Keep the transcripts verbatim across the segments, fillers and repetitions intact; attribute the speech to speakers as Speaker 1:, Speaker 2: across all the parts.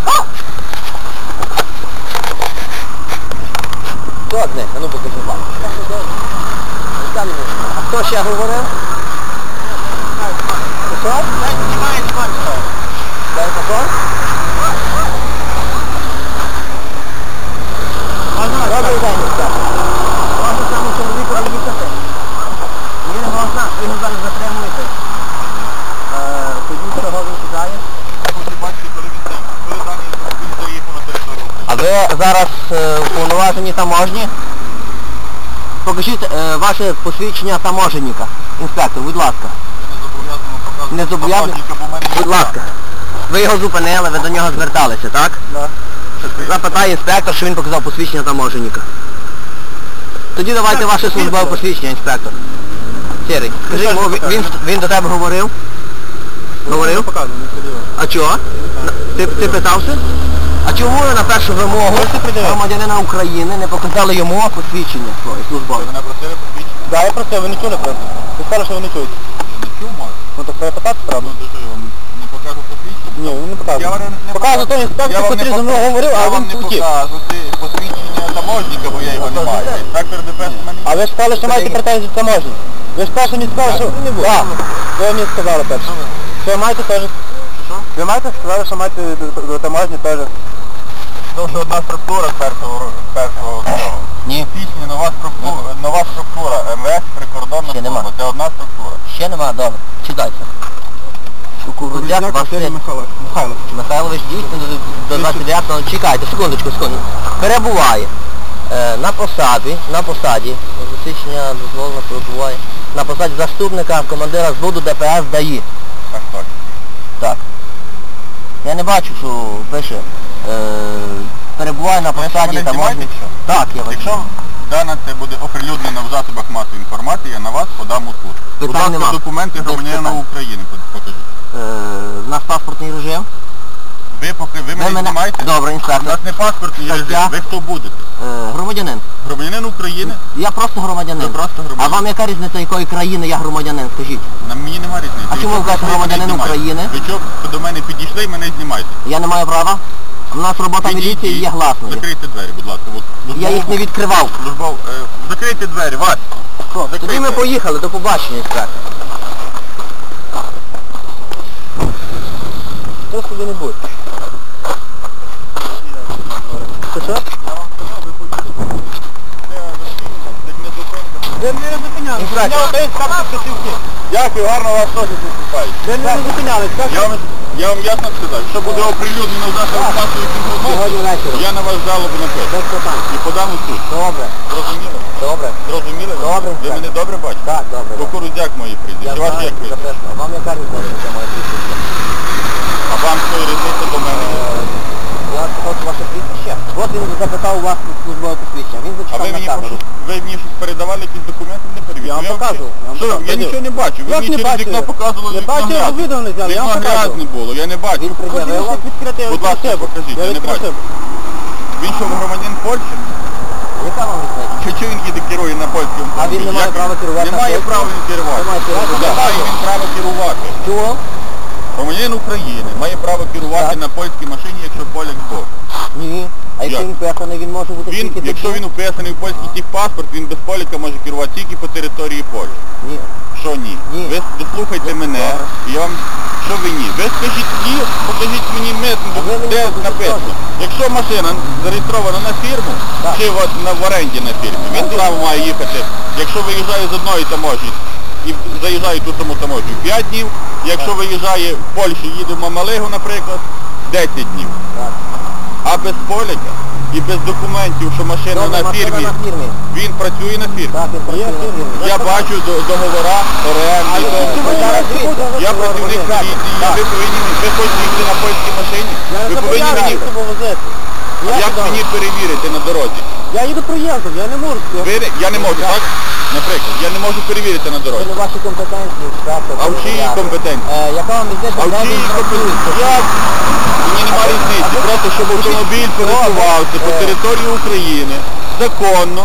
Speaker 1: Що одне? А ну покажи вам. А хто ще говорив? Що? Дай патрон? Добрий день, Містер. Можна саме чоловіку їхати? Ні, не можна, ви його зараз затримуєте. Тоді чого він тікає? А ви зараз уповноважені таможні? Покажіть е, ваше посвідчення таможенника. Інспектор, будь ласка. Не зобов'язаний? Будь ласка. Ви його зупинили, ви до нього зверталися, так? Так. Запитає інспектор, що він показав посвідчення таможенника. Тоді давайте ваше службове посвідчення, інспектор. Сірий, скажи йому, він, він до тебе говорив? Говорив? А чого? Ти, ти питався? А чому ви на першу вимогу громадянина України не показали йому посвідчення своє службове?
Speaker 2: Ви мене просили посвідчення?
Speaker 1: Так, я просив, ви не чули просто. Ви сказали, що ви не чуєте.
Speaker 2: Не чув, може?
Speaker 1: Ну так треба питати справді.
Speaker 2: Ну, то що, я вам не покажу посвідчення?
Speaker 1: Ні, він не показує.
Speaker 2: Я вам не
Speaker 1: Показує той інспектор, який зі мною говорив, а
Speaker 2: я вам
Speaker 1: він
Speaker 2: не
Speaker 1: утік.
Speaker 2: покажу посвідчення таможника, бо я його не маю. Інспектор ДПС в мене.
Speaker 1: А ви ж сказали, що маєте претензії до таможні. Ви ж перше мені сказали, що... Так, ви мені сказали перше. Що ви маєте теж?
Speaker 2: Що?
Speaker 1: Ви маєте сказали, що маєте до таможні теж.
Speaker 2: Тому що одна структура з першого, першого цього.
Speaker 1: Ні.
Speaker 2: Пісня, нова структура, нова структура, МВС, прикордонна
Speaker 1: Ще нема.
Speaker 2: служба. Це одна структура.
Speaker 1: Ще нема, добре. Читайте. Кукурудзяк Василь Михайлович дійсно до двадцять дев'ятого, чекайте, секундочку, секунду. Перебуває е, на посаді, на посаді, засвідчення дозволено перебуває, на посаді заступника командира зводу ДПС ДАІ.
Speaker 2: Так, так.
Speaker 1: Так. Я не бачу, що пише, е, перебуває на посаді таможні. Так, я бачу.
Speaker 2: Якщо дане це буде оприлюднено в засобах масової інформації, я на вас подам у суд. Будь
Speaker 1: Питань
Speaker 2: ласка,
Speaker 1: нема.
Speaker 2: документи
Speaker 1: Без
Speaker 2: громадянина
Speaker 1: питань.
Speaker 2: України покажіть.
Speaker 1: Е, в нас паспортний режим.
Speaker 2: Ви поки ви мене
Speaker 1: мене-
Speaker 2: знімаєте?
Speaker 1: Добре,
Speaker 2: У
Speaker 1: інспектор.
Speaker 2: нас не паспортний
Speaker 1: Так,
Speaker 2: режим.
Speaker 1: я-
Speaker 2: Ви хто будете?
Speaker 1: Е, громадянин.
Speaker 2: Громадянин України?
Speaker 1: Я просто громадянин.
Speaker 2: Ви просто
Speaker 1: А
Speaker 2: громадянин.
Speaker 1: вам яка різниця, якої країни я громадянин, скажіть?
Speaker 2: На мені немає різниці.
Speaker 1: А чому ви
Speaker 2: Якщо
Speaker 1: кажете
Speaker 2: ви мене
Speaker 1: громадянин
Speaker 2: знімаєте?
Speaker 1: України?
Speaker 2: Ви чого до мене підійшли і мене знімаєте?
Speaker 1: Я не маю права. У нас робота
Speaker 2: Підійдіть.
Speaker 1: міліції є гласною.
Speaker 2: Закрийте двері, будь ласка. От,
Speaker 1: Я їх не відкривав.
Speaker 2: Службов... Е, закрийте двері, Вась.
Speaker 1: Тоді
Speaker 2: Закрийте.
Speaker 1: ми поїхали, до побачення, інспектор. Що собі не буде? Що що?
Speaker 2: Ви мене не зупиняли. Дякую, гарно вас теж виступають.
Speaker 1: Ви мене не зупиняли,
Speaker 2: Я вам, я вам ясно сказав, що буде оприлюднено в засобах масової
Speaker 1: Сьогодні
Speaker 2: інформації,
Speaker 1: вечором.
Speaker 2: я на вас жалобу напишу.
Speaker 1: Без питань.
Speaker 2: І подам у суд.
Speaker 1: Добре,
Speaker 2: Зрозуміли?
Speaker 1: добре.
Speaker 2: Зрозуміли? ви?
Speaker 1: Добре,
Speaker 2: Ви
Speaker 1: так.
Speaker 2: мене добре бачите?
Speaker 1: Так, добре.
Speaker 2: Кукурудзяк мої
Speaker 1: Я
Speaker 2: прізвище. Ваше
Speaker 1: знаю,
Speaker 2: як прізвище?
Speaker 1: записано. Вам яка різниця моє прізвище?
Speaker 2: А вам що різниця до мене?
Speaker 1: Я сказав, що ваше прізвище. От він запитав у вас службове посвідчення. Він
Speaker 2: А
Speaker 1: зачитав
Speaker 2: ви
Speaker 1: на
Speaker 2: мені,
Speaker 1: камеру.
Speaker 2: прошу, ви мені щось передавали, якісь документи не перевірили?
Speaker 1: Я вам покажу, я вам
Speaker 2: Що,
Speaker 1: покажу.
Speaker 2: я нічого не бачу. Ви
Speaker 1: Як
Speaker 2: мені
Speaker 1: не
Speaker 2: через
Speaker 1: бачите?
Speaker 2: вікно показували
Speaker 1: Не
Speaker 2: вікно
Speaker 1: бачите, я
Speaker 2: грязне.
Speaker 1: відео не зняв, я
Speaker 2: Вікно
Speaker 1: вам покажу.
Speaker 2: грязне було, я не бачу.
Speaker 1: Він пред'явив вам?
Speaker 2: Будь ласка, покажіть, я не бачу. Він що, громадянин Польщі?
Speaker 1: Яка вам різниця?
Speaker 2: Чи, чи він їде керує на польському?
Speaker 1: А він не має
Speaker 2: Як-
Speaker 1: права керувати на
Speaker 2: Немає
Speaker 1: польському?
Speaker 2: права він керувати.
Speaker 1: Немає права
Speaker 2: Да,
Speaker 1: керувати.
Speaker 2: має він право керувати.
Speaker 1: Чого?
Speaker 2: Громадянин України має право керувати
Speaker 1: Так.
Speaker 2: на польській машині, якщо поляк збоку.
Speaker 1: Ні. А якщо
Speaker 2: Як?
Speaker 1: він пеханий, він може бути
Speaker 2: Він,
Speaker 1: тільки
Speaker 2: якщо
Speaker 1: тут?
Speaker 2: він уписаний в польський техпаспорт, він без поляка може керувати тільки по території Польщі.
Speaker 1: Ні.
Speaker 2: Що ні?
Speaker 1: Ні.
Speaker 2: Ви дослухайте мене, і я вам... Що ви ні? Ви скажіть ні, покажіть мені митну,
Speaker 1: А ви мені
Speaker 2: де
Speaker 1: покажіть
Speaker 2: написано.
Speaker 1: теж.
Speaker 2: Якщо машина зареєстрована на фірму,
Speaker 1: Так.
Speaker 2: чи от на, в оренді на фірмі, він
Speaker 1: Так.
Speaker 2: право має їхати. Якщо виїжджає з одної таможні і заїжджає в ту саму таможню п'ять днів, якщо виїжджає в Польщу, їде в Мамалигу, наприклад, десять днів.
Speaker 1: Так.
Speaker 2: А без поляка і без документів, що машина
Speaker 1: Добре,
Speaker 2: на
Speaker 1: машина
Speaker 2: фірмі,
Speaker 1: на фірмі.
Speaker 2: він працює на фірмі.
Speaker 1: Так, він працює на фірмі.
Speaker 2: Я бачу до- договора, оренди,
Speaker 1: ви
Speaker 2: договори.
Speaker 1: зараз дивіться,
Speaker 2: Я
Speaker 1: ви
Speaker 2: працівник
Speaker 1: говорите.
Speaker 2: поліції,
Speaker 1: Так.
Speaker 2: ви повинні, ви хочете їхати на польській машині,
Speaker 1: Я не
Speaker 2: ви повинні мені,
Speaker 1: зобов'язаний себе возити. Я
Speaker 2: як
Speaker 1: сюди.
Speaker 2: мені перевірити на дорозі?
Speaker 1: Я їду проїздом, я не можу. Я-
Speaker 2: Ви, я не можу, так? Наприклад, я не можу перевірити на
Speaker 1: Це
Speaker 2: дорозі.
Speaker 1: не ваші компетенції, інспектор.
Speaker 2: А в чиїй
Speaker 1: перевіряти.
Speaker 2: компетенції?
Speaker 1: Е, яка вам різниця,
Speaker 2: А в
Speaker 1: де
Speaker 2: чиїй
Speaker 1: він працює?
Speaker 2: компетенції? Як? Мені немає різниці, просто щоб автомобіль пересувався по
Speaker 1: Е.
Speaker 2: території України законно,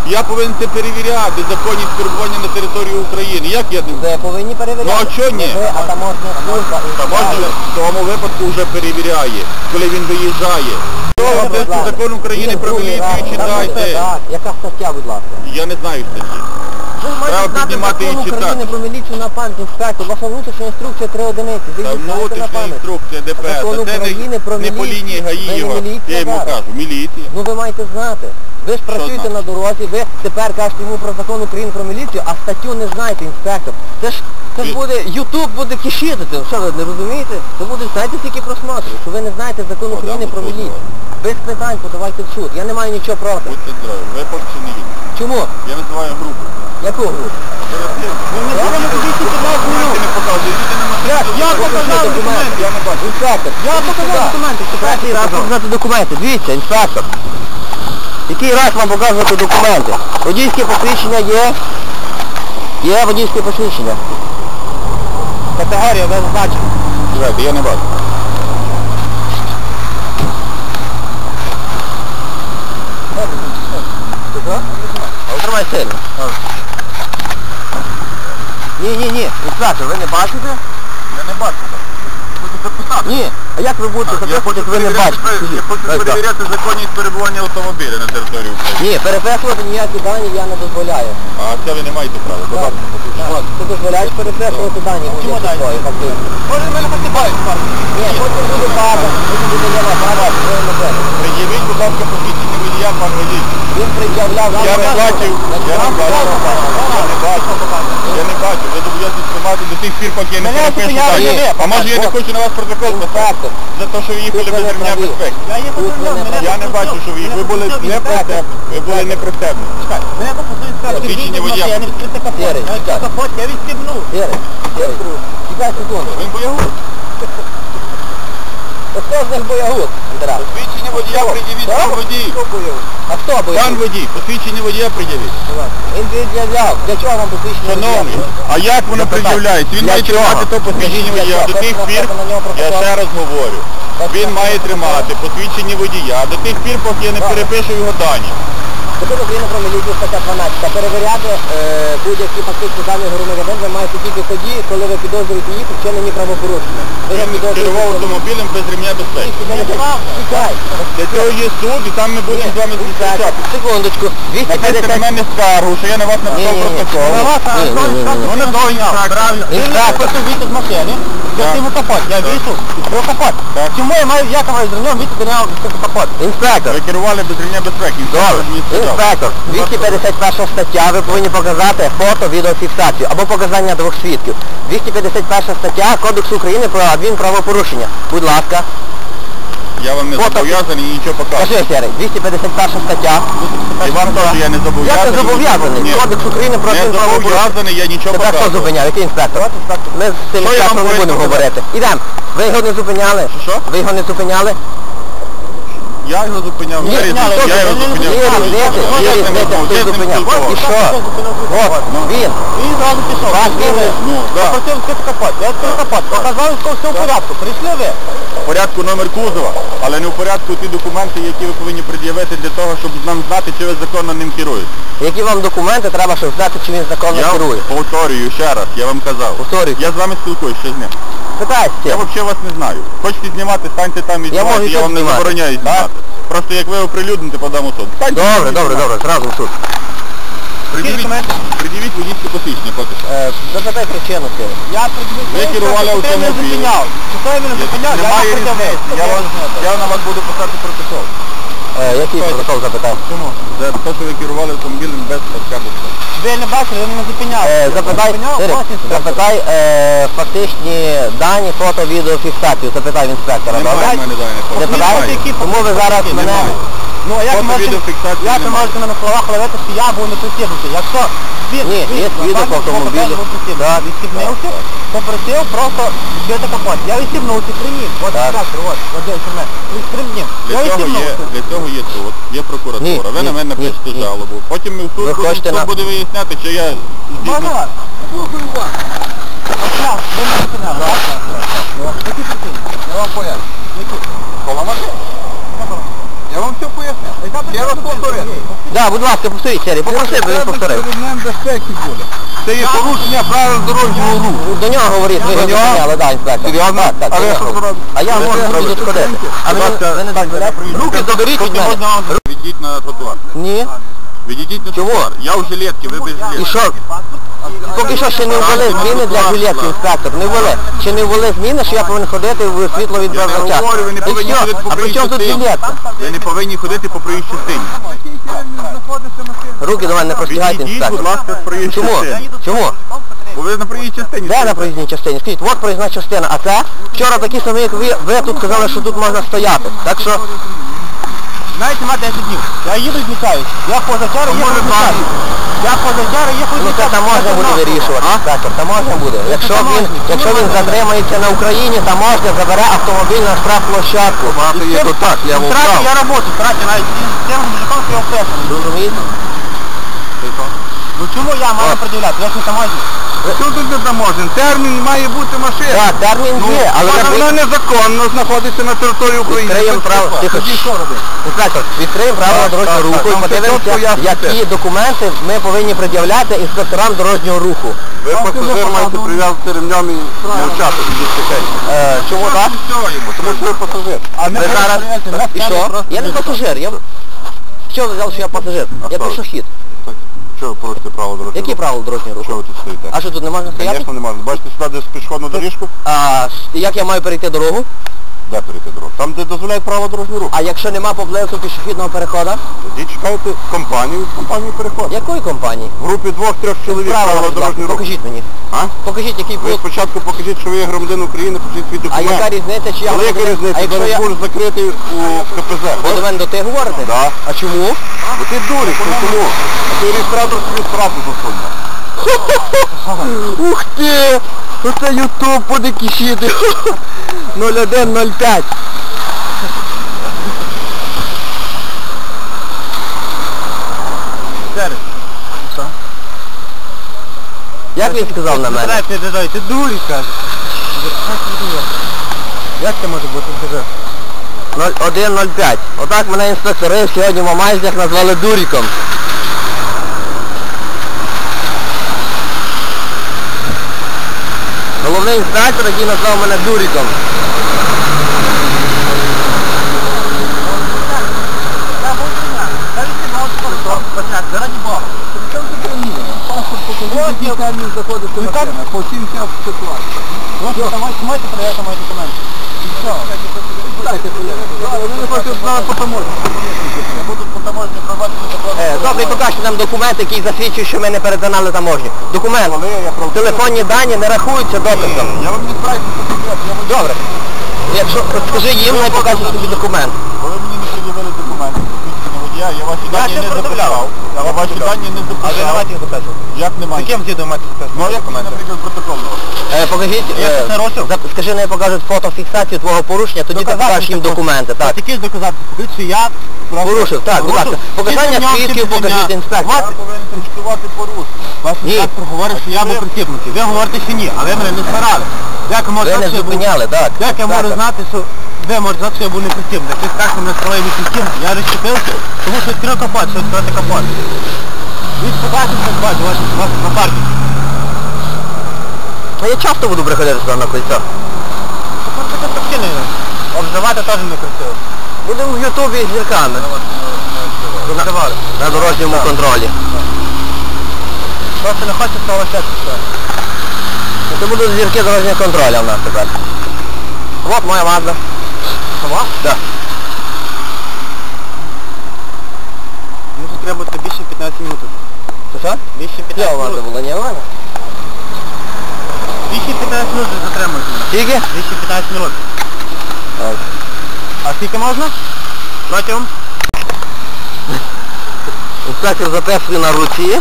Speaker 2: Я повинен це перевіряти, законність перебування на території України. Як я не...
Speaker 1: Ви повинні перевіряти.
Speaker 2: Ну а чого ні?
Speaker 1: Ви, а таможня служба.
Speaker 2: Таможня в тому випадку вже перевіряє, коли він виїжджає. Того тесту закон України про міліцію читайте.
Speaker 1: Яка стаття, будь ласка?
Speaker 2: Я не знаю статті.
Speaker 1: Ви ж маєте
Speaker 2: Треба
Speaker 1: знати
Speaker 2: піднімати
Speaker 1: закон
Speaker 2: і читати.
Speaker 1: України про міліцію на пам'ять, інспектор. Ваша внутрішня інструкція три одиниці. Ви
Speaker 2: Та
Speaker 1: її знаєте на
Speaker 2: внутрішня
Speaker 1: пам'ять.
Speaker 2: інструкція ДПС,
Speaker 1: Закон
Speaker 2: а це
Speaker 1: України
Speaker 2: не,
Speaker 1: про
Speaker 2: не по
Speaker 1: міліцію.
Speaker 2: лінії
Speaker 1: Ви не
Speaker 2: Гаїєва,
Speaker 1: міліція
Speaker 2: я йому
Speaker 1: зараз.
Speaker 2: кажу, міліція.
Speaker 1: Ну ви маєте знати. Ви ж працюєте
Speaker 2: знати?
Speaker 1: на дорозі, ви тепер кажете йому про закон України про міліцію, а статтю не знаєте, інспектор. Це ж, це ж
Speaker 2: Ви-
Speaker 1: буде, Ютуб буде кишити. Що ви не розумієте? Це буде, знаєте, скільки просмотрів, що ви не знаєте закон
Speaker 2: О,
Speaker 1: України
Speaker 2: да,
Speaker 1: про
Speaker 2: ну,
Speaker 1: міліцію. Без питань подавайте в суд. Я не маю нічого проти.
Speaker 2: Будьте здорові, ви поки що не їдете.
Speaker 1: Чому?
Speaker 2: Я називаю групу.
Speaker 1: Яку групу? Я вам обіцяю п'ятнадцять минут.
Speaker 2: не показуєте,
Speaker 1: Я, я показав документи.
Speaker 2: Я не бачу.
Speaker 1: Інспектор, я показав документи. Третій раз показати документи. Дивіться, інспектор. Який раз вам показувати документи? Водійське посвідчення є? Є водійське посвідчення. Категорія без значення.
Speaker 2: Чекайте, я не бачу.
Speaker 1: Тримай сильно. Ні, ні, ні. Інспектор, ви не бачите?
Speaker 2: Я не бачу. Хочу записати.
Speaker 1: Ні. А як ви будете
Speaker 2: Я
Speaker 1: записувати,
Speaker 2: хочу
Speaker 1: як ви не
Speaker 2: перевіряти,
Speaker 1: бачите?
Speaker 2: я хочу
Speaker 1: Ось так.
Speaker 2: перевіряти законність перебування автомобіля на території України.
Speaker 1: Ні, переписувати ніякі дані я не дозволяю.
Speaker 2: А це ви не маєте права. Будь ласка, покажіть.
Speaker 1: Так, ти дозволяєш переписувати дані.
Speaker 2: Чому
Speaker 1: будь-які
Speaker 2: дані?
Speaker 1: свої, фактично.
Speaker 2: Може, мене посипають парку?
Speaker 1: Ні, потім буде база, потім буде ліва база, ви не буде.
Speaker 2: Пред'явіть, будь ласка, посвідчення водія, пан водій.
Speaker 1: Він пред'являв вам...
Speaker 2: Я не бачив, я не бачив, я не бачив, я не бачив. Ви зобов'язані тримати до тих пір, поки я не
Speaker 1: Мене
Speaker 2: перепишу
Speaker 1: зупиняли,
Speaker 2: дані.
Speaker 1: ні.
Speaker 2: А може я не хочу на вас протокол поставити? За те, що ви їхали
Speaker 1: Тут ви
Speaker 2: без
Speaker 1: не
Speaker 2: ремня
Speaker 1: праві.
Speaker 2: безпеки.
Speaker 1: Я їхав без ремня, мене
Speaker 2: Я не бачу, що ви їх. Ви були не пристебні. Ви були не пристебні.
Speaker 3: Мене попросили сказати,
Speaker 2: Посвідчення
Speaker 3: що
Speaker 2: водія.
Speaker 3: я не відкрити капот.
Speaker 1: Сірий,
Speaker 3: Я відкрив
Speaker 1: так.
Speaker 3: капот, я відстібнув.
Speaker 1: Сірий, Сірий, чекай секунду.
Speaker 2: Він боягуз.
Speaker 1: Хто з них боягуз? Андера?
Speaker 2: Посвідчення водія пред'явіть,
Speaker 1: Хто?
Speaker 2: пан водій.
Speaker 1: А хто
Speaker 2: Пан
Speaker 1: боягуз?
Speaker 2: водій, посвідчення водія пред'явіть.
Speaker 1: Він пред'являв. Для чого вам посвідчення?
Speaker 2: Шановний, а як воно
Speaker 1: Запитай.
Speaker 2: пред'являється? Він
Speaker 1: Для
Speaker 2: має
Speaker 1: чого?
Speaker 2: тримати то посвідчення
Speaker 1: Для
Speaker 2: водія.
Speaker 1: чого?
Speaker 2: До тих
Speaker 1: Хочете
Speaker 2: пір,
Speaker 1: написати на нього
Speaker 2: я
Speaker 1: протокол?
Speaker 2: ще раз говорю,
Speaker 1: Хочете
Speaker 2: він має
Speaker 1: написати
Speaker 2: тримати посвідчення водія до тих пір, поки я не
Speaker 1: Так.
Speaker 2: перепишу його дані.
Speaker 1: Закон України про міліцію стаття дванадцята. Перевіряти е, будь-які фактичні дані громадянин ви маєте тільки тоді, коли ви підозрюєте їх у вчиненні правопорушення. Ви не
Speaker 2: Він керував
Speaker 1: підозрюєте...
Speaker 2: автомобілем без ремня безпеки.
Speaker 1: Чекай.
Speaker 2: Для цього є суд, і там ми будемо з вами зустрічати.
Speaker 1: Секундочку.
Speaker 2: Написати на
Speaker 1: двісті п'ятдесят...
Speaker 2: мене скаргу, що я на вас написав
Speaker 1: Ні-ні-ні.
Speaker 2: протокол.
Speaker 1: На вас, а,
Speaker 2: Ні, ні, ні, ні.
Speaker 3: Ну не довгий інспектор. Правильно. Він
Speaker 1: Інспектор.
Speaker 3: не просто вийти з машини. Я
Speaker 2: Так.
Speaker 3: йому капот. Я
Speaker 2: Так.
Speaker 3: вийшов, відкрив капот.
Speaker 2: Так.
Speaker 3: Чому я маю, як я маю з нього вийти до нього відкрити капот?
Speaker 1: Інспектор.
Speaker 2: Ви керували без ремня безпеки. Інспектор мені сказав.
Speaker 1: Інспектор, двісті п'ятдесят перша стаття, ви повинні показати фото, відеофіксацію або показання двох свідків. двісті п'ятдесят перша стаття Кодексу України про адмінправопорушення. Будь ласка.
Speaker 2: Я вам не
Speaker 1: Фото.
Speaker 2: зобов'язаний і нічого показувати.
Speaker 1: Кажи, Сірий, двісті п'ятдесят перша стаття.
Speaker 2: І вам теж я не зобов'язаний.
Speaker 1: Як ти зобов'язаний?
Speaker 2: Ні.
Speaker 1: Кодекс України про
Speaker 2: Не
Speaker 1: адмінправопорушення.
Speaker 2: зобов'язаний, я нічого
Speaker 1: Тебе хто
Speaker 2: показував.
Speaker 1: зупиняв? Який інспектор? Ми з цим
Speaker 2: Що я вам
Speaker 1: інспектором не
Speaker 2: повинен
Speaker 1: будемо
Speaker 2: показати?
Speaker 1: говорити. Ідемо. Ви його не зупиняли?
Speaker 2: Що?
Speaker 1: Ви його не зупиняли?
Speaker 2: Я його зупиняв.
Speaker 1: Ні,
Speaker 2: Я його
Speaker 1: зупиняли,
Speaker 2: я його
Speaker 1: ви не
Speaker 2: зупиняв.
Speaker 1: зупиняли,
Speaker 2: Я
Speaker 1: є,
Speaker 2: з
Speaker 1: є,
Speaker 2: ним
Speaker 1: є,
Speaker 2: розмовляв,
Speaker 1: хто
Speaker 2: я з ним
Speaker 1: зупиняв.
Speaker 2: спілкувався.
Speaker 1: І що? От, він.
Speaker 3: Він зразу пішов.
Speaker 1: Ваш
Speaker 3: Відкрив,
Speaker 1: він-
Speaker 2: Ну, да.
Speaker 3: попросив відкрити капот. Я відкрив капот. Показав, що все в порядку. Прийшли ви.
Speaker 2: В порядку номер кузова, але не в порядку ті документи, які ви повинні пред'явити для того, щоб нам знати, чи ви законно ним керуєте.
Speaker 1: Які вам документи треба, щоб знати, чи він законно
Speaker 2: Я
Speaker 1: керує?
Speaker 2: повторюю ще раз, я вам казав.
Speaker 1: Повторюйте.
Speaker 2: Я з вами спілкуюсь, що з ним.
Speaker 1: Питайся.
Speaker 2: Я взагалі вас не знаю. Хочете знімати, станьте там і
Speaker 1: Я
Speaker 2: знімайте,
Speaker 1: можу
Speaker 2: я
Speaker 1: тут
Speaker 2: вам не
Speaker 1: знімати.
Speaker 2: забороняю
Speaker 1: Так?
Speaker 2: знімати. Просто як ви оприлюдните, подам у суд. Станьте
Speaker 1: Добре,
Speaker 2: там і
Speaker 1: добре,
Speaker 2: знімайте.
Speaker 1: добре, зразу в суд.
Speaker 2: Пред'явіть, пред'явіть водійське посвідчення поки що.
Speaker 1: Е, запитай причину, Сірий.
Speaker 3: Я придивив.
Speaker 2: Ви керували
Speaker 3: Хто мене
Speaker 2: автомобілем.
Speaker 3: зупиняв? Хто мене зупиняв? Я
Speaker 2: Немає
Speaker 3: його придивив.
Speaker 2: різниці. Я, вас, я на вас буду писати протокол.
Speaker 1: Е, який протокол запитай?
Speaker 3: Чому?
Speaker 2: За те, що ви керували автомобілем без паска безпеки.
Speaker 3: Ви не бачили, ви мене зупиняв.
Speaker 1: Е, запитай,
Speaker 3: Зупиняв,
Speaker 1: Сірий,
Speaker 3: ось інспектор.
Speaker 1: запитай е, фактичні дані, фото, відеофіксацію. Запитай в інспектора,
Speaker 2: Немає
Speaker 1: добре?
Speaker 2: в мене даних.
Speaker 1: Запитай?
Speaker 3: Немає.
Speaker 1: Тому ви зараз
Speaker 3: Немає.
Speaker 1: мене...
Speaker 3: Ну, а як
Speaker 2: Фото,
Speaker 3: можете,
Speaker 2: відеофіксації
Speaker 3: як ви
Speaker 2: немає.
Speaker 3: можете на словах ловити, що я був не пристібнутий? Якщо він,
Speaker 1: Ні,
Speaker 3: він
Speaker 1: є
Speaker 3: на
Speaker 1: свідок
Speaker 3: вашому
Speaker 1: автомобіля.
Speaker 3: клопотанні був пристібнутий,
Speaker 1: Так,
Speaker 3: відстібнувся, попросив просто відкрити капот. Я відстібнувся, приніс. От
Speaker 1: Так.
Speaker 3: інспектор, от, от дивіться мене. Відстібнув.
Speaker 2: Для
Speaker 3: Я
Speaker 2: цього, є,
Speaker 3: відстібнувся.
Speaker 2: для цього є суд, є прокуратура.
Speaker 1: Ні,
Speaker 2: ви
Speaker 1: ні,
Speaker 2: на мене
Speaker 1: ні,
Speaker 2: напишете
Speaker 1: ні.
Speaker 2: жалобу. Потім ми в суд,
Speaker 1: Ви
Speaker 2: будемо-
Speaker 1: хочете
Speaker 2: суд
Speaker 1: на-
Speaker 2: буде виясняти, чи я
Speaker 3: Можна
Speaker 2: здійснив.
Speaker 3: вас? Слухаю вас. От я, ви мене зупиняли, так? Які причини?
Speaker 2: Я вам поясню. Коло машини. Я вам все поясню.
Speaker 3: Яка
Speaker 2: Я вас
Speaker 3: причина?
Speaker 2: повторюю.
Speaker 3: Ні,
Speaker 1: Да, будь ласка, повторіть, Сергій, попроси, бо він повторив.
Speaker 3: безпеки буде. Це є порушення правил дорожнього руху.
Speaker 1: До нього говоріть, ви його зупиняли, да, інспектор.
Speaker 3: Серйозно?
Speaker 1: Так, так,
Speaker 3: А
Speaker 1: до
Speaker 3: ви
Speaker 1: нього
Speaker 3: що
Speaker 1: говоріть.
Speaker 3: зробите?
Speaker 1: А я
Speaker 3: Ви
Speaker 1: можу
Speaker 3: це
Speaker 1: тут
Speaker 3: робите?
Speaker 1: ходити. А ви
Speaker 3: Будь ласка,
Speaker 1: ви не дозволяєте? Руки заберіть від мене.
Speaker 2: Можна вам відійдіть на тротуар.
Speaker 1: Ні.
Speaker 2: Відійдіть на
Speaker 1: Чому?
Speaker 2: тротуар. Я в жилетці, ви без
Speaker 1: І
Speaker 2: жилетки.
Speaker 1: що? Поки що ще не ввели зміни для жилетки, інспектор. Не ввели. Ще не ввели зміни, що я повинен ходити в світло від
Speaker 2: Я не
Speaker 1: бажача.
Speaker 2: говорю, ви не повинні ходити по
Speaker 1: А при чому тут
Speaker 2: проїжджій
Speaker 1: жилетка?
Speaker 2: Ви не повинні ходити по проїжджій частині.
Speaker 1: Руки до мене не простягайте,
Speaker 2: Відійдіть, будь
Speaker 1: інспектор.
Speaker 2: ласка, з проїжджої
Speaker 1: Чому?
Speaker 2: частини.
Speaker 1: Чому?
Speaker 2: Бо ви на проїжджій частині.
Speaker 1: Де на проїзній частині? Скажіть, от проїзна частина, а це? Вчора такі самі, як ви, ви тут казали, що тут можна стояти. Так що,
Speaker 3: Знаєте, ма десять днів. Я їду і зникаюсь. Я позавчора їхав
Speaker 2: може,
Speaker 3: зникаюсь. Я позавчора їхав
Speaker 1: ну це
Speaker 3: зникаюсь.
Speaker 1: там можна буде вирішувати, інспектор, там можна буде. Якщо він, якщо він затримається на Україні, там можна забере автомобіль на штрафплощадку.
Speaker 2: Багато є тут так, я вам
Speaker 3: Втратив
Speaker 2: прав.
Speaker 3: я роботу, втратив навіть з тим мужиком, що я впевнений.
Speaker 1: Розумієте?
Speaker 3: Ну чому я маю
Speaker 1: От.
Speaker 3: приділяти? Я ж не таможник.
Speaker 2: Що тут не таможен? Термін має бути машина.
Speaker 1: Так, термін є, але
Speaker 2: вона
Speaker 1: ви-
Speaker 2: вона незаконно знаходиться на території України.
Speaker 1: Відкриємо
Speaker 2: Це
Speaker 1: право.
Speaker 2: що?
Speaker 1: Тихо.
Speaker 2: Тоді що робити?
Speaker 1: Інспектор, відкриємо правила
Speaker 2: Так,
Speaker 1: дорожнього
Speaker 2: так,
Speaker 1: руху
Speaker 2: так,
Speaker 1: і
Speaker 2: там все чітко
Speaker 1: подивимося,
Speaker 2: ясно
Speaker 1: які
Speaker 2: все.
Speaker 1: документи ми повинні пред'являти інспекторам дорожнього руху.
Speaker 2: Ви пасажир маєте прив'язати ремнем і мовчати від дітей.
Speaker 1: Е, чому так?
Speaker 2: Тому що ви пасажир.
Speaker 3: А
Speaker 1: Ви зараз... І що? Я не пасажир. Я... Що ви взяли, що я пасажир? Я
Speaker 2: що?
Speaker 1: пішохід.
Speaker 2: Що ви порушите право дорожнього
Speaker 1: Які
Speaker 2: руху?
Speaker 1: правила дорожнього
Speaker 2: Що
Speaker 1: руху?
Speaker 2: ви тут стоїте?
Speaker 1: А що тут не можна стояти?
Speaker 2: Звісно, не можна. Бачите сюди десь пішохідну доріжку?
Speaker 1: А як я маю перейти дорогу?
Speaker 2: Де перейти дорогу? Там, де дозволяють право дорожнього руху.
Speaker 1: А якщо нема поблизу пішохідного переходу?
Speaker 2: Тоді чекайте компанію, компанію переходу.
Speaker 1: Якої компанії?
Speaker 2: В групі двох-трьох чоловік
Speaker 1: Правила,
Speaker 2: право
Speaker 1: будь ласка,
Speaker 2: дорожнього руху.
Speaker 1: покажіть мені.
Speaker 2: А?
Speaker 1: Покажіть, який
Speaker 2: Ви
Speaker 1: пункт.
Speaker 2: спочатку покажіть, що ви є громадянин України, покажіть свій
Speaker 1: А
Speaker 2: документ.
Speaker 1: яка різниця, чи я...
Speaker 2: Але яка
Speaker 1: громадянин?
Speaker 2: різниця?
Speaker 1: А якщо
Speaker 2: Зараз
Speaker 1: я...
Speaker 2: будеш закритий у КПЗ.
Speaker 1: Ви до мене до ти говорите?
Speaker 2: Да.
Speaker 1: А чому?
Speaker 2: Бо ти дурик, ну чому? А ти реєстратор собі справку засунув.
Speaker 1: Ух ти! Оце ютуб буде кишіти. нуль один нуль п'ять.
Speaker 3: Зараз. Що?
Speaker 1: Як він сказав на мене?
Speaker 3: Ти дай, ти дурі, каже. Як це може бути? Скажи.
Speaker 1: нуль один нуль п'ять. Отак мене інспектори сьогодні в Мамайзях назвали дуріком. Головний інспектор, який назвав мене дуріком.
Speaker 3: Заради Бога. Паспорт покажіть, який термін заходить до машини. По сімдесят ситуації. Ось там маєте перевіряти мої документи. І все. Дайте перевіряти. Вони хочуть знати по таможні. Будуть по таможні проводити закон.
Speaker 1: Е, добре, покажіть нам документ, який засвідчує, що ми не перетинали таможню. Документ. Телефонні дані не рахуються дописком.
Speaker 2: Я вам не збираюся покупати.
Speaker 1: Добре. Якщо скажи їм, хай покажуть тобі документ.
Speaker 2: Коли мені не пред'явили документи, посвідчення водія, я ваші
Speaker 3: Я
Speaker 2: дані
Speaker 3: ще
Speaker 2: не
Speaker 3: пред'являв.
Speaker 2: записав. Я ваші дані не
Speaker 3: А ви не
Speaker 2: записав.
Speaker 3: маєте їх записувати?
Speaker 2: Як немає?
Speaker 3: З яким згідно маєте записувати?
Speaker 2: Ну, як мені, наприклад, протокольного?
Speaker 1: Е, покажіть,
Speaker 3: Я
Speaker 1: е,
Speaker 3: це розсуд.
Speaker 1: зап- скажи, не покажуть фотофіксацію твого порушення, тоді ти покажеш їм документи. Так.
Speaker 3: Такі ж доказати, покажіть, що я
Speaker 1: Порушив, так, будь ласка. Показання свідків покажіть, інспектор.
Speaker 2: Я повинен констатувати порушення.
Speaker 3: Ваш
Speaker 1: Ні.
Speaker 3: інспектор говорить, що я був притіпнутий. Ви говорите, що ні, а ви мене не старали. Як я можу
Speaker 1: Ви
Speaker 3: знати,
Speaker 1: не
Speaker 3: що я був-
Speaker 1: зупиняли, так.
Speaker 3: Як я можу
Speaker 1: Так.
Speaker 3: знати, що ви можете знати, що я був не притіпнутий? Ти скажеш, що мене старали не притіпнутий. Я розчепився, тому що відкрив капот, що відкрити капот. Він побачив, що бачу, ваш вас на парку.
Speaker 1: А я часто буду приходити сюди на кольцо.
Speaker 3: Тепер таке причини. Обзивати теж не красиво.
Speaker 1: Будемо в Ютубі з зірками.
Speaker 3: Обзивали.
Speaker 1: На дорожньому контролі.
Speaker 3: Просто не хочеться того ще все.
Speaker 1: Це будуть зірки дорожнього контролю в нас тепер. От моя Мазда.
Speaker 3: Сама?
Speaker 1: Да.
Speaker 3: Може треба бути більше п'ятнадцять минут.
Speaker 1: Це що?
Speaker 3: Більше
Speaker 1: Де
Speaker 3: п'ятнадцять
Speaker 1: у вас
Speaker 3: минут.
Speaker 1: було? Ні, у мене?
Speaker 3: Більше п'ятнадцять минут затримуйте мене.
Speaker 1: Скільки?
Speaker 3: Більше п'ятнадцять минут.
Speaker 1: Так.
Speaker 3: А скільки можна? Протягом?
Speaker 1: Інспектор записує на руці.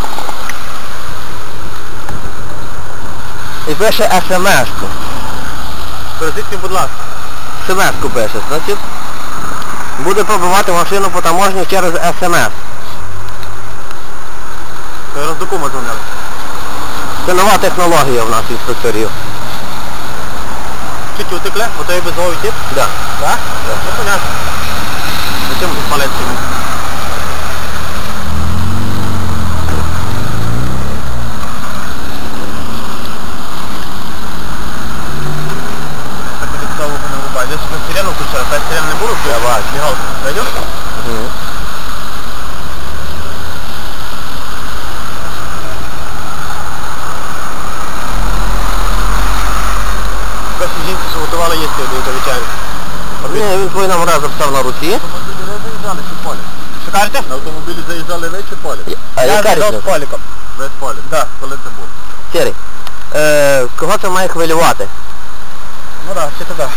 Speaker 1: І пише смс-ку.
Speaker 3: Скажіть, будь ласка.
Speaker 1: смс-ку пише, значить. Буде пробивати машину по таможні через смс.
Speaker 3: Ви роздокума дзвонили.
Speaker 1: Це нова технологія в нас інспекторів.
Speaker 3: Чуть утекли? Ото є безговий тип?
Speaker 1: Да.
Speaker 3: Так? Ну, понятно. Зачем палець?
Speaker 1: машини, він твої номера записав на руці.
Speaker 3: Автомобілі ви заїжджали чи полі?
Speaker 1: Що кажете?
Speaker 2: На автомобілі заїжджали ви чи полі?
Speaker 1: А яка різниця?
Speaker 3: поліком.
Speaker 2: Ви з полі?
Speaker 3: Да.
Speaker 2: Коли це було?
Speaker 1: Сірий, е, кого це має хвилювати?
Speaker 3: Ну так, чи туди.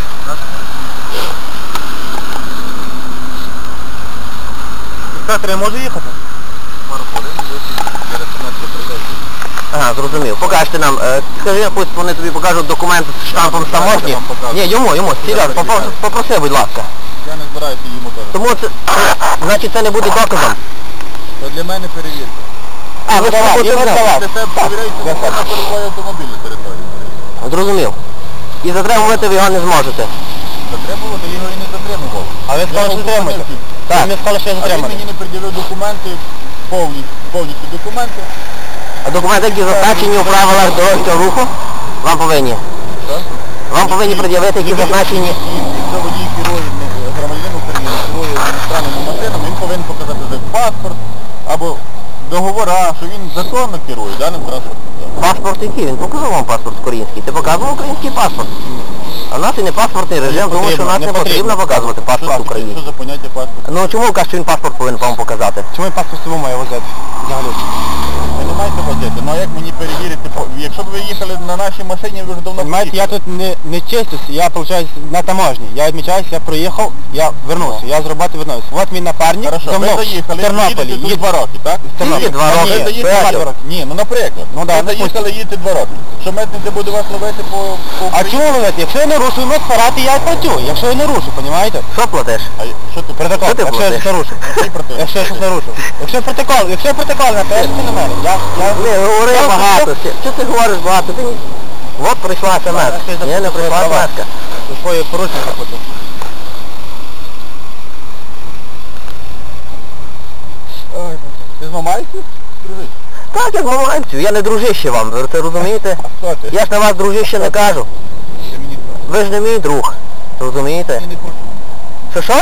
Speaker 3: Інспектор, я можу їхати?
Speaker 2: Пару хвилин, ви зараз семнадцять прийдете.
Speaker 1: Ага, зрозумів. Покажете нам, е, скажи, пусть вони тобі покажуть документи з штампом
Speaker 2: Я
Speaker 1: таможні.
Speaker 2: вам покажу.
Speaker 1: Ні, йому, йому, серйозно,
Speaker 2: Я
Speaker 1: попро-
Speaker 2: перевіряю.
Speaker 1: попроси, будь ласка.
Speaker 2: Я не збираюся йому теж.
Speaker 1: Тому це, значить, це не буде доказом.
Speaker 2: То для мене перевірка.
Speaker 1: А, ви
Speaker 3: давай,
Speaker 1: що
Speaker 3: і ви
Speaker 1: будете
Speaker 3: давай.
Speaker 2: Для себе перевіряється,
Speaker 3: Я
Speaker 2: що на перебуває автомобіль на території.
Speaker 1: Зрозумів. І затримувати ви його не зможете.
Speaker 2: Затримувати його і не затримував.
Speaker 3: А ви сказали, що затримуєте?
Speaker 1: Так.
Speaker 3: Ви мені сказали, що я
Speaker 2: А він
Speaker 3: затриманий.
Speaker 2: мені не пред'явив документи, повні, повністю документи.
Speaker 1: А документи, які зазначені у правилах дорожнього руху, вам повинні.
Speaker 2: Так?
Speaker 1: Вам повинні пред'явити, які зазначені.
Speaker 2: Якщо водій керує не, громадянин України, керує іностранним машинами, він повинен показати за паспорт або договора, що він законно керує даним транспортним засобом.
Speaker 1: Паспорт який? Він показав вам паспорт український. Ти показував український паспорт? А в нас і не паспортний режим, тому що в нас
Speaker 3: не
Speaker 1: не потрібно
Speaker 3: потрібно.
Speaker 1: показувати
Speaker 2: Що
Speaker 1: паспорт
Speaker 2: таке?
Speaker 1: український.
Speaker 2: Що за поняття паспорт?
Speaker 1: Ну чому ви кажете, що він паспорт повинен вам показати?
Speaker 3: Чому я паспорт собі маю возити? Взагалі.
Speaker 2: Ви не маєте возити. Ну а як мені перевірити? по- Якщо б ви їхали на нашій машині, ви вже давно
Speaker 3: Понимаете, я
Speaker 2: поїхали.
Speaker 3: тут не, не чистюсь, я, получаюсь, на таможні. Я відмічаюсь, я проїхав, я вернувся, я з роботи вернувся. Вот мій напарник,
Speaker 2: Хорошо,
Speaker 3: за
Speaker 2: ви
Speaker 3: мною,
Speaker 2: заїхали,
Speaker 3: в Тернополі.
Speaker 2: їдете тут
Speaker 3: їд-
Speaker 2: два роки, так?
Speaker 1: Тільки два
Speaker 2: Ні,
Speaker 1: роки.
Speaker 2: ви заїхали
Speaker 1: Петя.
Speaker 2: два роки. Ні, ну наприклад.
Speaker 3: Ну да,
Speaker 2: ви
Speaker 3: допустим.
Speaker 2: заїхали, їдете два роки. Що митниця буде вас ловити по, по
Speaker 3: А
Speaker 2: Україні?
Speaker 3: чому ловити? Якщо я не рушу, ну сфарати, я платю. Якщо я не рушу, розумієте?
Speaker 1: Що платиш?
Speaker 2: А що ти
Speaker 3: Протокол,
Speaker 1: Що ти
Speaker 3: якщо я
Speaker 1: платиш?
Speaker 3: щось нарушу.
Speaker 2: Який протокол?
Speaker 3: Якщо я щось нарушу. Якщо протокол, якщо протокол напишете на мене, я... я...
Speaker 1: Не, говори
Speaker 3: Я
Speaker 1: багато.
Speaker 3: просто-
Speaker 1: Що що ти говориш багато? Ти... От прийшла смс.
Speaker 3: я
Speaker 1: Ні, не прийшла
Speaker 3: права.
Speaker 1: смс.
Speaker 3: За своє порушення заплатив.
Speaker 2: Ой, ти з Мамайки? Дружиш?
Speaker 1: Так, як маманцю. Я не дружище вам, ви це розумієте?
Speaker 2: А хто ти?
Speaker 1: Я ж на вас дружище не кажу.
Speaker 2: Ти мені хто?
Speaker 1: Ви ж не мій друг. Розумієте?
Speaker 2: Я не хочу.
Speaker 1: Що що?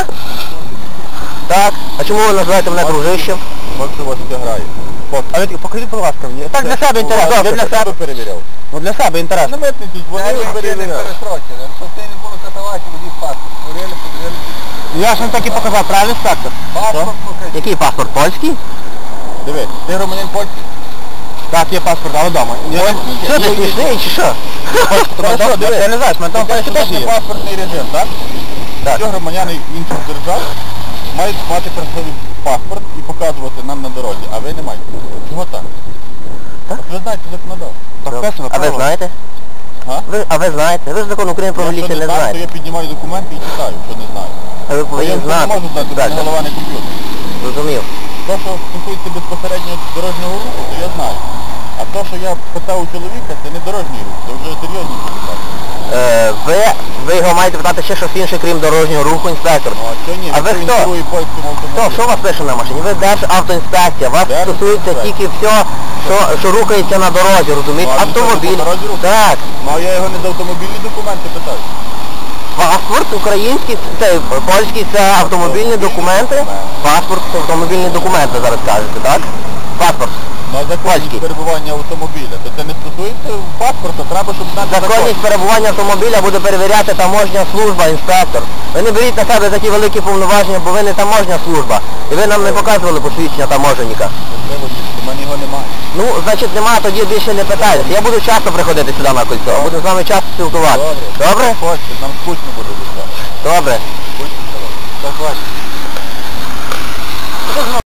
Speaker 1: Так. А чому ви називаєте мене дружищем?
Speaker 2: Поки у вас все грає. Поки.
Speaker 3: А ви покажіть, будь ласка, мені. Так для себе інтересно.
Speaker 2: Я
Speaker 3: Для
Speaker 2: для себе
Speaker 3: себе.
Speaker 2: перевіряв.
Speaker 3: Ну для себе
Speaker 2: На
Speaker 3: інтересно.
Speaker 2: митниці дзвонили, перевіряв.
Speaker 3: Щоб ти не було катувати, водій паспорт. Я ж вам так і показав, правильно, інспектор?
Speaker 2: Паспорт покажи.
Speaker 1: Який паспорт? Польський?
Speaker 2: Дивись, ти громадянин польський?
Speaker 3: Так, є паспорт, але вдома.
Speaker 1: Що ти смішний чи що?
Speaker 2: Хорошо, дивись.
Speaker 3: Я не знаю, мене там
Speaker 2: Це
Speaker 3: паспорт теж
Speaker 2: ж
Speaker 3: є.
Speaker 2: паспортний режим, так?
Speaker 1: Так.
Speaker 2: Всі громадяни інших держав мають мати при собі паспорт і показувати нам на дорозі, а ви не маєте. Чого так?
Speaker 1: Так.
Speaker 2: От ви знаєте законодавство.
Speaker 3: Підписано,
Speaker 1: А ви
Speaker 3: право.
Speaker 1: знаєте?
Speaker 2: А?
Speaker 1: Ви, а ви знаєте? Ви ж закон України про
Speaker 2: Якщо
Speaker 1: міліцію не
Speaker 2: знаю, то
Speaker 1: знаєте.
Speaker 2: я піднімаю документи і читаю, що не знаю.
Speaker 1: А ви
Speaker 2: Бо я
Speaker 1: повинні
Speaker 2: не
Speaker 1: знати.
Speaker 2: можу знати, бо
Speaker 1: Так,
Speaker 2: мене голова не комп'ютер.
Speaker 1: зрозумів.
Speaker 2: Те, що стосується безпосередньо дорожнього руху, то я знаю. А те, що я питав у чоловіка, це не дорожній рух, це вже серйозні питання.
Speaker 1: Е, ви, ви його маєте питати ще щось інше, крім дорожнього руху, інспектор.
Speaker 2: Ну, а що ні?
Speaker 1: А ви
Speaker 2: Якщо він
Speaker 1: хто?
Speaker 2: керує польським автомобілем.
Speaker 1: Хто? Що у вас пише на машині? Ви Державтоінспекція. Вас стосується
Speaker 2: Державтоінспекція.
Speaker 1: тільки все, що, що рухається на дорозі, розумієте?
Speaker 2: Ну, а він що,
Speaker 1: Автомобіль.
Speaker 2: по дорозі рухається?
Speaker 1: Так.
Speaker 2: Ну, а я його не за автомобільні документи питаю.
Speaker 1: Паспорт український, це польський, це автомобільні документи. Паспорт це автомобільні документи зараз кажете, так? Паспорт.
Speaker 2: Ну, а законність
Speaker 1: Польський.
Speaker 2: перебування автомобіля, то це не стосується паспорта, треба, щоб знати
Speaker 1: Законність перебування автомобіля буде перевіряти таможня служба, інспектор. Ви не беріть на себе такі великі повноваження, бо ви не таможня служба. І ви нам не показували посвідчення таможенника.
Speaker 2: Можливо, у мене його немає.
Speaker 1: Ну, значить нема, тоді більше не питайтеся. Я буду часто приходити сюди на кольцо, буду з вами часто спілкуватися.
Speaker 2: Добре.
Speaker 1: Добре?
Speaker 2: Хочете, нам скучно буде від вас.
Speaker 1: Добре.